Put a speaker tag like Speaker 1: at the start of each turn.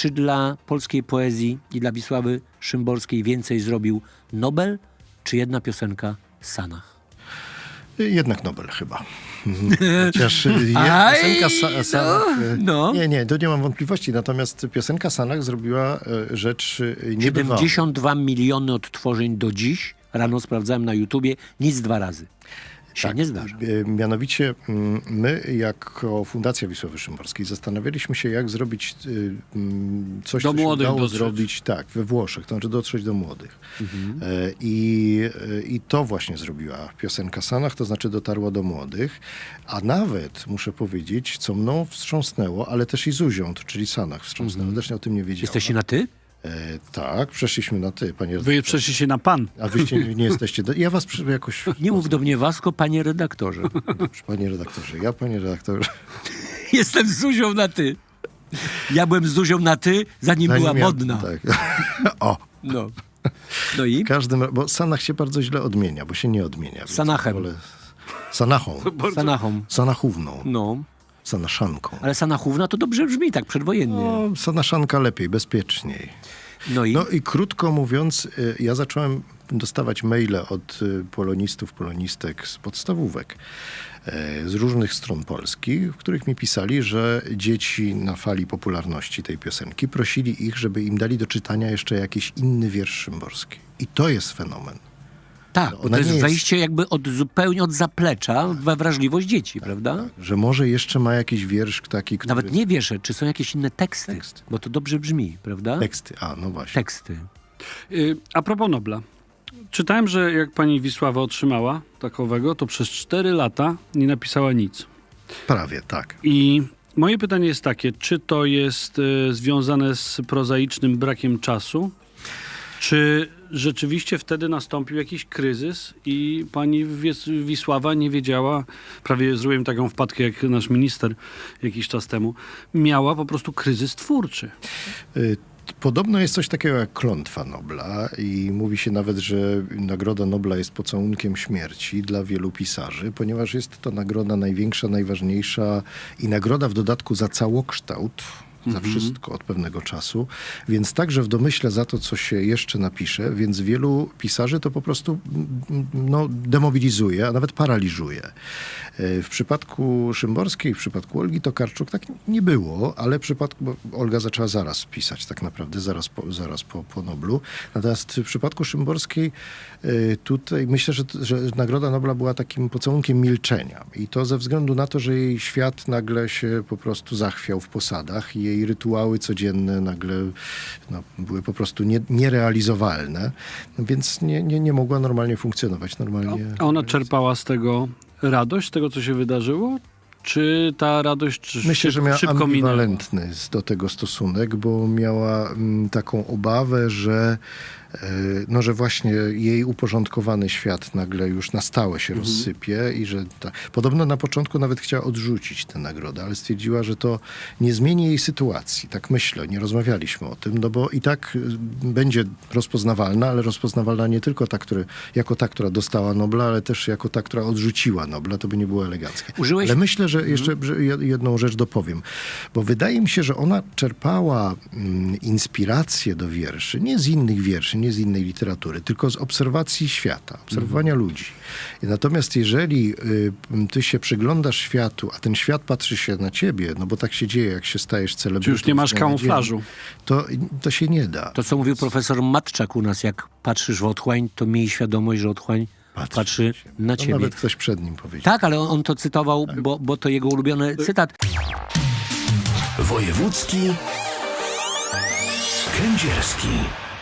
Speaker 1: Czy dla polskiej poezji i dla Wisławy Szymborskiej więcej zrobił Nobel, czy jedna piosenka Sanach?
Speaker 2: Jednak Nobel chyba. Chociaż piosenka Sanach...
Speaker 1: No.
Speaker 2: Nie, to nie mam wątpliwości. Natomiast piosenka Sanach zrobiła rzecz niebywałą.
Speaker 1: 72 miliony odtworzeń do dziś. Rano sprawdzałem na YouTubie. Nic 2 razy. Się nie zdarza.
Speaker 2: Mianowicie my jako Fundacja Wisławy Szymborskiej zastanawialiśmy się, jak zrobić coś, co się udało zrobić we Włoszech, to znaczy dotrzeć do młodych. I to właśnie zrobiła piosenka Sanach, to znaczy dotarła do młodych, a nawet, muszę powiedzieć, co mną wstrząsnęło, ale też i Zuzią, czyli Sanach wstrząsnęło, też o tym nie wiedziała.
Speaker 1: Jesteście na ty?
Speaker 2: Tak, przeszliśmy na ty, panie redaktorze.
Speaker 3: Wy przeszliście na pan.
Speaker 2: A wyście nie jesteście... Ja was jakoś...
Speaker 1: Nie mów do mnie Wasko, panie redaktorze.
Speaker 2: Dobrze, panie redaktorze, panie redaktorze...
Speaker 1: Jestem z Zuzią na ty. Ja byłem z Zuzią na ty, zanim była modna.
Speaker 2: Tak. O!
Speaker 1: No i?
Speaker 2: Bo Sanach się bardzo źle odmienia, bo się nie odmienia.
Speaker 1: Sanachem.
Speaker 2: Sanachą. Sanachówną.
Speaker 1: No.
Speaker 2: Sanaszanką.
Speaker 1: Ale Sanachówna to dobrze brzmi, tak przedwojennie.
Speaker 2: No, Sanaszanka lepiej, bezpieczniej. No i krótko mówiąc, ja zacząłem dostawać maile od polonistów, polonistek z podstawówek, z różnych stron Polski, w których mi pisali, że dzieci na fali popularności tej piosenki prosili ich, żeby im dali do czytania jeszcze jakiś inny wiersz Szymborski. I to jest fenomen.
Speaker 1: Tak, bo to jest wejście jakby zupełnie od zaplecza we wrażliwość dzieci, prawda?
Speaker 2: Tak, że może jeszcze ma jakiś wiersz taki, który...
Speaker 1: Nawet nie wiersze, czy są jakieś inne teksty, bo to dobrze brzmi, prawda?
Speaker 2: Teksty, no właśnie.
Speaker 1: Teksty.
Speaker 3: A propos Nobla. Czytałem, że jak pani Wisława otrzymała takowego, to przez 4 lata nie napisała nic.
Speaker 2: Prawie, tak.
Speaker 3: I moje pytanie jest takie, czy to jest związane z prozaicznym brakiem czasu, czy rzeczywiście wtedy nastąpił jakiś kryzys i pani Wisława nie wiedziała, prawie zrobiłem taką wpadkę jak nasz minister jakiś czas temu, miała po prostu kryzys twórczy.
Speaker 2: Podobno jest coś takiego jak klątwa Nobla i mówi się nawet, że Nagroda Nobla jest pocałunkiem śmierci dla wielu pisarzy, ponieważ jest to nagroda największa, najważniejsza i nagroda w dodatku za całokształt, za wszystko od pewnego czasu, więc także w domyśle za to, co się jeszcze napisze, więc wielu pisarzy to po prostu demobilizuje, a nawet paraliżuje. W przypadku Szymborskiej, w przypadku Olgi Tokarczuk tak nie było, ale w przypadku, bo Olga zaczęła zaraz pisać tak naprawdę, zaraz po Noblu. Natomiast w przypadku Szymborskiej tutaj myślę, że Nagroda Nobla była takim pocałunkiem milczenia. I to ze względu na to, że jej świat nagle się po prostu zachwiał w posadach i jej rytuały codzienne nagle były po prostu nierealizowalne, więc nie mogła normalnie funkcjonować.
Speaker 3: A ona czerpała z tego radość, z tego, co się wydarzyło? Czy ta radość
Speaker 2: Myślę, że miała
Speaker 3: szybko
Speaker 2: ambiwalentny do tego stosunek, bo miała taką obawę, że właśnie jej uporządkowany świat nagle już na stałe się rozsypie i że podobno na początku nawet chciała odrzucić tę nagrodę, ale stwierdziła, że to nie zmieni jej sytuacji. Tak myślę, nie rozmawialiśmy o tym, bo i tak będzie rozpoznawalna, ale rozpoznawalna nie tylko jako ta, która dostała Nobla, ale też jako ta, która odrzuciła Nobla, to by nie było eleganckie. Ale myślę, że jeszcze jedną rzecz dopowiem, bo wydaje mi się, że ona czerpała inspirację do wierszy, nie z innych wierszy, nie z innej literatury, tylko z obserwacji świata, obserwowania ludzi. Natomiast jeżeli ty się przyglądasz światu, a ten świat patrzy się na ciebie, bo tak się dzieje, jak się stajesz celebrytą.
Speaker 3: Czy już nie masz kamuflażu?
Speaker 2: To się nie da.
Speaker 1: To, co mówił profesor Matczak u nas, jak patrzysz w otchłań, to miej świadomość, że otchłań patrzy na ciebie.
Speaker 2: Nawet ktoś przed nim powiedział.
Speaker 1: Tak, ale on to cytował, bo to jego ulubiony cytat.
Speaker 4: Wojewódzki Kędzierski.